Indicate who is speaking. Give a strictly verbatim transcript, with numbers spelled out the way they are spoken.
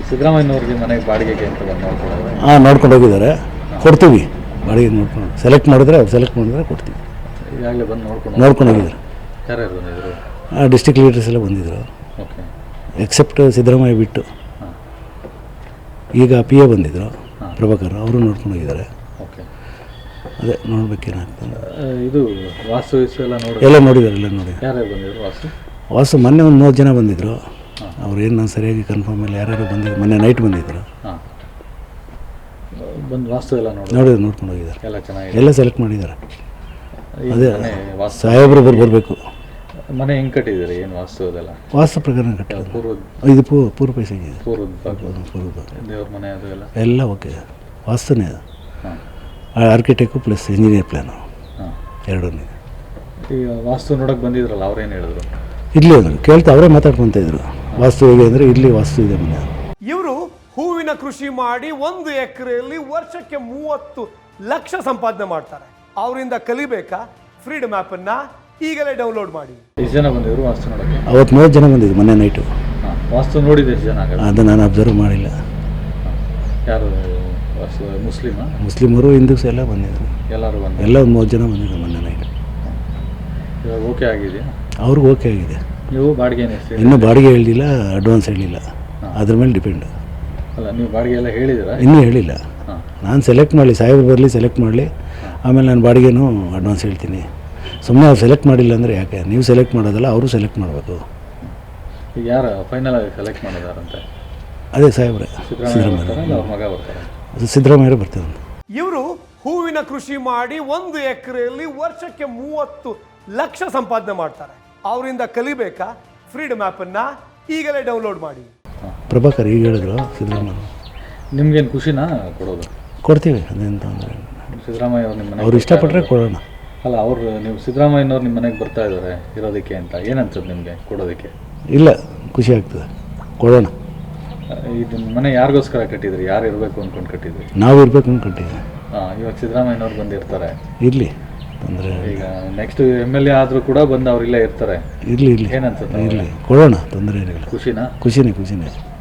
Speaker 1: ಸಿದ್ದರಾಮಯ್ಯನವ್ರಿಗೆ ಮನೆಗೆ ಬಾಡಿಗೆಗೆ ಅಂತ ಬಂದು ನೋಡ್ಕೊಂಡು
Speaker 2: ಹಾಂ ನೋಡ್ಕೊಂಡು ಹೋಗಿದ್ದಾರೆ, ಕೊಡ್ತೀವಿ ಬಾಡಿಗೆ ನೋಡ್ಕೊಂಡು. ಸೆಲೆಕ್ಟ್ ಮಾಡಿದ್ರೆ ಅವ್ರು ಸೆಲೆಕ್ಟ್ ಮಾಡಿದ್ರೆ ಕೊಡ್ತೀವಿ.
Speaker 1: ಈಗಾಗಲೇ ಬಂದು ನೋಡ್ಕೊಂಡು
Speaker 2: ನೋಡ್ಕೊಂಡು ಹೋಗಿದ್ದಾರೆ.
Speaker 1: ಯಾರ್ಯಾರು ಬಂದಿದ್ರು?
Speaker 2: ಹಾಂ ಡಿಸ್ಟ್ರಿಕ್ಟ್ ಲೀಡರ್ಸ್ ಎಲ್ಲ ಬಂದಿದ್ದರು,
Speaker 1: ಓಕೆ.
Speaker 2: ಎಕ್ಸೆಪ್ಟ್ ಸಿದ್ದರಾಮಯ್ಯ ಬಿಟ್ಟು.
Speaker 1: ಹಾಂ.
Speaker 2: ಈಗ ಪಿ ಎ ಬಂದಿದ್ದರು ಪ್ರಭಾಕರ್, ಅವರು ನೋಡ್ಕೊಂಡು ಹೋಗಿದ್ದಾರೆ.
Speaker 1: ಓಕೆ.
Speaker 2: ಅದೇ ನೋಡ್ಬೇಕೇನಾಗ್ತದೆ.
Speaker 1: ಇದು ವಾಸ್ತು ವಿಸ್ತು ಎಲ್ಲ ನೋಡಿ
Speaker 2: ಎಲ್ಲ ನೋಡಿದ್ದಾರೆ, ಎಲ್ಲ ನೋಡಿ.
Speaker 1: ಯಾರ್ಯಾರು ಬಂದಿದ್ರು ವಾಸ್ತು?
Speaker 2: ವಾಸು ಮೊನ್ನೆ ಒಂದು ಮೂವತ್ತು ಜನ ಬಂದಿದ್ದರು. ಅವ್ರೇನು ನಾನು ಸರಿಯಾಗಿ ಕನ್ಫರ್ಮ್ ಇಲ್ಲ, ಯಾರ್ಯಾರು ಬಂದಿದ್ರು. ಮೊನ್ನೆ ನೈಟ್ ಬಂದಿದ್ದರು.
Speaker 1: ಹಾಂ. ಬಂದು ವಾಸ್ತು ಎಲ್ಲ ನೋಡಿ
Speaker 2: ನೋಡಿದ್ರು, ನೋಡ್ಕೊಂಡು ಹೋಗಿದ್ದಾರೆ.
Speaker 1: ಎಲ್ಲ ಚೆನ್ನಾಗಿದೆ,
Speaker 2: ಎಲ್ಲ ಸೆಲೆಕ್ಟ್ ಮಾಡಿದ್ದಾರೆ.
Speaker 1: ಈ
Speaker 2: ಅದೇ
Speaker 1: ಮನೆ ವಾಸ್ತು
Speaker 2: ಸಾಹೇಬ್ರು ಬರ್ ಬರಬೇಕು.
Speaker 1: ಮನೆ ಹೆಂಗೆ ಕಟ್ಟಿದ್ದೀರಿ? ಏನು ವಾಸ್ತು ಅದೆಲ್ಲ?
Speaker 2: ವಾಸ್ತು ಪ್ರಕಾರ ಕಟ್ಟಿದ್ರು.
Speaker 1: ಪೂರ್ವದ
Speaker 2: ಇದು ಪೂ ಪೂರ್ವ ಪೈಸೆಗೆ ಇದೆ.
Speaker 1: ಪೂರ್ವದ ಭಾಗ
Speaker 2: ಪೂರ್ವದ
Speaker 1: ದೇವ್ರ ಮನೆ ಅದು ಎಲ್ಲ
Speaker 2: ಎಲ್ಲ ಓಕೆ. ವಾಸ್ತುನೇ ಅದು.
Speaker 1: ಹಾಂ.
Speaker 2: ಆರ್ಕಿಟೆಕ್ಟು ಪ್ಲಸ್ ಇಂಜಿನಿಯರ್ ಪ್ಲ್ಯಾನು
Speaker 1: ಹಾಂ
Speaker 2: ಎರಡೂ.
Speaker 1: ಈಗ ವಾಸ್ತು ನೋಡೋಕೆ ಬಂದಿದ್ರಲ್ಲ, ಅವ್ರೇನು ಹೇಳಿದ್ರು?
Speaker 2: ಇರಲಿ ಅಂದರು, ಕೇಳ್ತಾ ಅವರೇ ಮಾತಾಡ್ಕೊತ ಇದ್ರು. ವಾಸ್ತು ಹೇಗೆ ಅಂದರೆ ಇಲ್ಲಿ ವಾಸ್ತು ಇದೆ ಮನೆ.
Speaker 3: ಇವರು ಹೂವಿನ ಕೃಷಿ ಮಾಡಿ ಒಂದು ಎಕರೆಯಲ್ಲಿ ವರ್ಷಕ್ಕೆ ಮೂವತ್ತು ಲಕ್ಷ ಸಂಪಾದನೆ ಮಾಡ್ತಾರೆ. ಅವರಿಂದ ಕಲಿಬೇಕಾ? ಫ್ರೀಡಮ್ ಆ್ಯಪನ್ನು ಈಗಲೇ ಡೌನ್ಲೋಡ್ ಮಾಡಿ.
Speaker 1: ಎಷ್ಟು ಜನ ಬಂದಿದ್ರು ವಾಸ್ತು ನೋಡೋಕ್ಕೆ?
Speaker 2: ಅವತ್ತು ಮೂವತ್ತು ಜನ ಬಂದಿದ್ದು ಮೊನ್ನೆ ನೈಟು.
Speaker 1: ಹಾಂ. ವಾಸ್ತು ನೋಡಿದ್ದು ಎಷ್ಟು ಜನ ಆಗೋದು?
Speaker 2: ಅದು ನಾನು ಅಬ್ಸರ್ವ್ ಮಾಡಿಲ್ಲ.
Speaker 1: ಯಾರು ವಾಸ್ತು ಮುಸ್ಲಿಮಾ?
Speaker 2: ಮುಸ್ಲಿಮರು ಹಿಂದೂಸ್ ಎಲ್ಲ ಬಂದಿದ್ರು,
Speaker 1: ಎಲ್ಲರೂ ಬಂದು
Speaker 2: ಎಲ್ಲ ಒಂದು ಮೂವತ್ತು ಜನ ಬಂದಿದ್ರು ಮೊನ್ನೆ ನೈಟ್.
Speaker 1: ಇವಾಗ ಓಕೆ ಆಗಿದೆಯಾ?
Speaker 2: ಅವ್ರಿಗೆ ಓಕೆ ಆಗಿದೆ.
Speaker 1: ನೀವು ಬಾಡಿಗೆ ಏನು ಎಷ್ಟು?
Speaker 2: ಇನ್ನೂ ಬಾಡಿಗೆ ಹೇಳಿಲ್ಲ, ಅಡ್ವಾನ್ಸ್ ಹೇಳಿಲ್ಲ, ಅದ್ರ ಮೇಲೆ ಡಿಪೆಂಡ್.
Speaker 1: ಅಲ್ಲ, ನೀವು ಬಾಡಿಗೆ ಎಲ್ಲ ಹೇಳಿದ್ದೀರಾ?
Speaker 2: ಇನ್ನೂ ಹೇಳಿಲ್ಲ.
Speaker 1: ಹಾಂ.
Speaker 2: ನಾನು ಸೆಲೆಕ್ಟ್ ಮಾಡಲಿ, ಸಾಹೇಬ್ರು ಬರಲಿ, ಸೆಲೆಕ್ಟ್ ಮಾಡಲಿ, ಆಮೇಲೆ ನಾನು ಬಾಡಿಗೆನೂ ಅಡ್ವಾನ್ಸ್ ಹೇಳ್ತೀನಿ. ಸುಮ್ಮನೆ ಅವ್ರು ಸೆಲೆಕ್ಟ್ ಮಾಡಿಲ್ಲ ಅಂದರೆ ಯಾಕೆ? ನೀವು ಸೆಲೆಕ್ಟ್ ಮಾಡೋದಲ್ಲ, ಅವರು ಸೆಲೆಕ್ಟ್ ಮಾಡಬೇಕು.
Speaker 1: ಈಗ ಯಾರು ಫೈನಲ್ ಆಗಿ ಸೆಲೆಕ್ಟ್ ಮಾಡೋದಾರಂತೆ?
Speaker 2: ಅದೇ ಸಾಹೇಬ್ರೆ,
Speaker 1: ಸಿದ್ದರಾಮಯ್ಯ ಅವ್ರ ಮಗ ಬರ್ತಾರೆ.
Speaker 2: ಸಿದ್ದರಾಮಯ್ಯರು ಬರ್ತಾರೆ.
Speaker 3: ಇವರು ಹೂವಿನ ಕೃಷಿ ಮಾಡಿ ಒಂದು ಎಕರೆಯಲ್ಲಿ ವರ್ಷಕ್ಕೆ ಮೂವತ್ತು ಲಕ್ಷ ಸಂಪಾದನೆ ಮಾಡ್ತಾರೆ. ಅವರಿಂದ ಕಲಿಬೇಕಾ? ಫ್ರೀಡಮ್ ಆ್ಯಪನ್ನು ಈಗಲೇ ಡೌನ್ಲೋಡ್ ಮಾಡಿ.
Speaker 2: ಪ್ರಭಾಕರ್ ಈಗ ಹೇಳಿದ್ರು ಸಿದ್ದರಾಮಯ್ಯ.
Speaker 1: ನಿಮ್ಗೇನು ಖುಷಿನಾ ಕೊಡೋದು?
Speaker 2: ಕೊಡ್ತೀವಿ, ಅದೇನು ತೊಂದರೆ.
Speaker 1: ಸಿದ್ದರಾಮಯ್ಯ ಅವ್ರು ನಿಮ್ಮ ಮನೆಗೆ
Speaker 2: ಅವ್ರು ಇಷ್ಟಪಟ್ಟರೆ ಕೊಡೋಣ.
Speaker 1: ಅಲ್ಲ, ಅವರು ನೀವು ಸಿದ್ದರಾಮಯ್ಯನವ್ರು ನಿಮ್ಮ ಮನೆಗೆ ಬರ್ತಾ ಇದ್ದಾರೆ ಇರೋದಕ್ಕೆ ಅಂತ ಏನನ್ಸುತ್ತೆ ನಿಮಗೆ ಕೊಡೋದಕ್ಕೆ?
Speaker 2: ಇಲ್ಲ, ಖುಷಿ ಆಗ್ತದೆ, ಕೊಡೋಣ.
Speaker 1: ಇದು ಮನೆ ಯಾರಿಗೋಸ್ಕರ ಕಟ್ಟಿದ್ರಿ? ಯಾರು ಇರಬೇಕು ಅಂದ್ಕೊಂಡು ಕಟ್ಟಿದ್ರಿ?
Speaker 2: ನಾವು ಇರಬೇಕು ಅಂದ್ಕೊಂಡಿದ್ದೀವಿ.
Speaker 1: ಹಾಂ. ಇವಾಗ ಸಿದ್ದರಾಮಯ್ಯನವ್ರು ಬಂದಿರ್ತಾರೆ,
Speaker 2: ಇರಲಿ, ತೊಂದರೆ.
Speaker 1: ಈಗ ನೆಕ್ಸ್ಟ್ ಎಮ್ ಎಲ್ ಎ ಆದರೂ ಕೂಡ ಬಂದು ಅವ್ರು ಇಲ್ಲೇ ಇರ್ತಾರೆ.
Speaker 2: ಇರಲಿ ಇರಲಿ
Speaker 1: ಏನನ್ಸುತ್ತೆ?
Speaker 2: ಇರಲಿ, ಕೊಡೋಣ, ತೊಂದರೆ ಏನಿಲ್ಲ.
Speaker 1: ಖುಷಿನಾ?
Speaker 2: ಖುಷಿನೇ ಖುಷಿನೇ